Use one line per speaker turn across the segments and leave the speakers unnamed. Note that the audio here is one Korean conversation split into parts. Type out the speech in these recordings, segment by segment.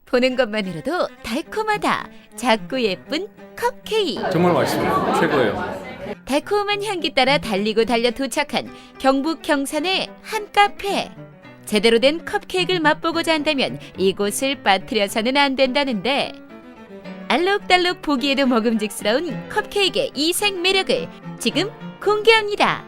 보는 것만으로도 달콤하다. 작고 예쁜 컵케이크.
정말 맛있어요. 최고예요.
달콤한 향기 따라 달리고 달려 도착한 경북 경산의 한 카페. 제대로 된 컵케이크를 맛보고자 한다면 이곳을 빠뜨려서는 안 된다는데, 알록달록 보기에도 먹음직스러운 컵케이크의 이색 매력을 지금 공개합니다.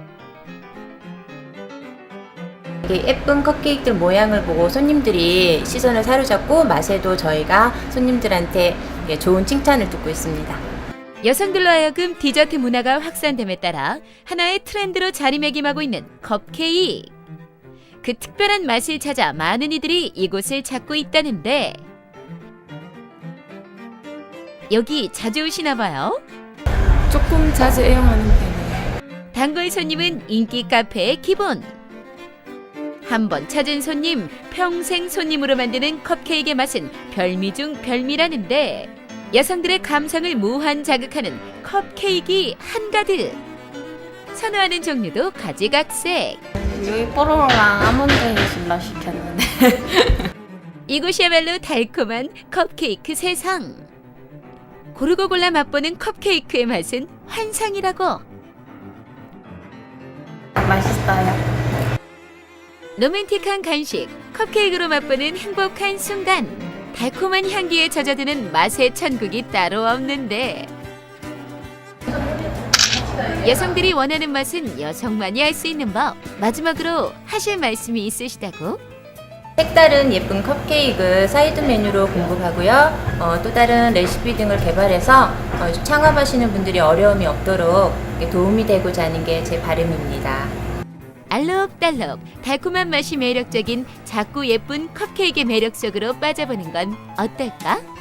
예쁜 컵케이크들 모양을 보고 손님들이 시선을 사로잡고 맛에도 저희가 손님들한테 좋은 칭찬을 듣고 있습니다.
여성들로 하여금 디저트 문화가 확산됨에 따라 하나의 트렌드로 자리매김하고 있는 컵케이크. 그 특별한 맛을 찾아 많은 이들이 이곳을 찾고 있다는데, 여기 자주 오시나 봐요?
조금 자주 애용하는 편이에요.
단골 손님은 인기 카페의 기본. 한 번 찾은 손님, 평생 손님으로 만드는 컵케이크의 맛은 별미 중 별미라는데, 여성들의 감성을 무한 자극하는 컵케이크 한가득. 선호하는 종류도 가지각색.
여기 뽀로로랑 아몬드 해줄라 시켰는데.
이곳이야말로 달콤한 컵케이크 세상. 고르고 골라 맛보는 컵케이크의 맛은 환상이라고.
맛있어요.
로맨틱한 간식, 컵케이크로 맛보는 행복한 순간. 달콤한 향기에 젖어드는 맛의 천국이 따로 없는데, 여성들이 원하는 맛은 여성만이 할 수 있는 법. 마지막으로 하실 말씀이 있으시다고?
색다른 예쁜 컵케이크 사이드 메뉴로 공급하고요. 또 다른 레시피 등을 개발해서 창업하시는 분들이 어려움이 없도록 도움이 되고자 하는 게 제 바람입니다.
알록달록 달콤한 맛이 매력적인 작고 예쁜 컵케이크의 매력 속으로 빠져보는 건 어떨까?